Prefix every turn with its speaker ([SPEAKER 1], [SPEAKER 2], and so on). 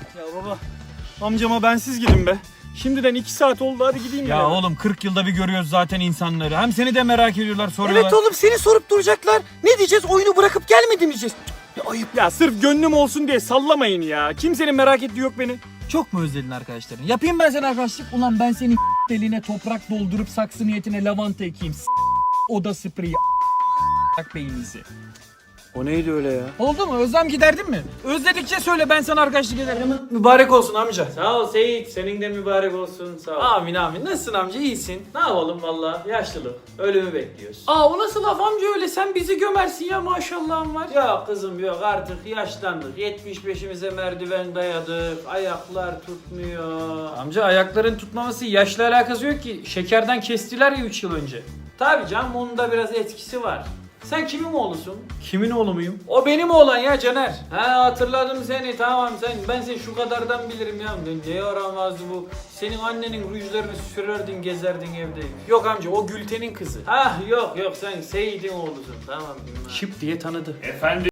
[SPEAKER 1] Ya baba, amcama bensiz gidin be. Şimdiden 2 saat oldu, hadi gideyim
[SPEAKER 2] Ya oğlum 40 yılda bir görüyoruz zaten insanları. Hem seni de merak ediyorlar, soruyorlar.
[SPEAKER 3] Evet oğlum, seni sorup duracaklar. Ne diyeceğiz? Oyunu bırakıp gelmedi mi diyeceğiz? Ya ayıp.
[SPEAKER 1] Ya sırf gönlüm olsun diye sallamayın ya. Kimsenin merak ettiği yok beni.
[SPEAKER 2] Çok mu özledin arkadaşların? Yapayım ben sana arkadaşlık. Ulan ben senin deliğine toprak doldurup saksı niyetine lavanta ekeyim. Oda spreyi beyninizi.
[SPEAKER 1] O neydi öyle ya?
[SPEAKER 2] Oldu mu? Özlem giderdin mi? Özledikçe söyle, ben sana arkadaşlık ederim.
[SPEAKER 1] Mübarek olsun amca.
[SPEAKER 4] Sağ ol Seyit, senin de mübarek olsun, sağ ol.
[SPEAKER 1] Amin amin. Nasılsın amca, iyisin?
[SPEAKER 4] Ne yapalım valla, yaşlılık, ölümü bekliyoruz.
[SPEAKER 1] Aa, o nasıl laf amca öyle? Sen bizi gömersin ya, maşallahın var.
[SPEAKER 4] Yok kızım yok, artık yaşlandık, 75'imize merdiven dayadık, ayaklar tutmuyor.
[SPEAKER 1] Amca ayakların tutmaması yaşla alakası yok ki. Şekerden kestiler ya 3 yıl önce.
[SPEAKER 4] Tabii canım, onun da biraz etkisi var. Sen kimin oğlusun?
[SPEAKER 1] Kimin oğlu muyum?
[SPEAKER 4] O benim oğlan ya Caner. Ha, hatırladım seni, tamam ben seni şu kadardan bilirim ya. Ne yaramazdı bu. Senin annenin rujlarını sürerdin, gezerdin evde.
[SPEAKER 1] Yok amca, o Gülten'in kızı.
[SPEAKER 4] Ah yok sen Seyit'in oğlusun, tamam.
[SPEAKER 1] Şıp diye tanıdı.
[SPEAKER 5] Efendim?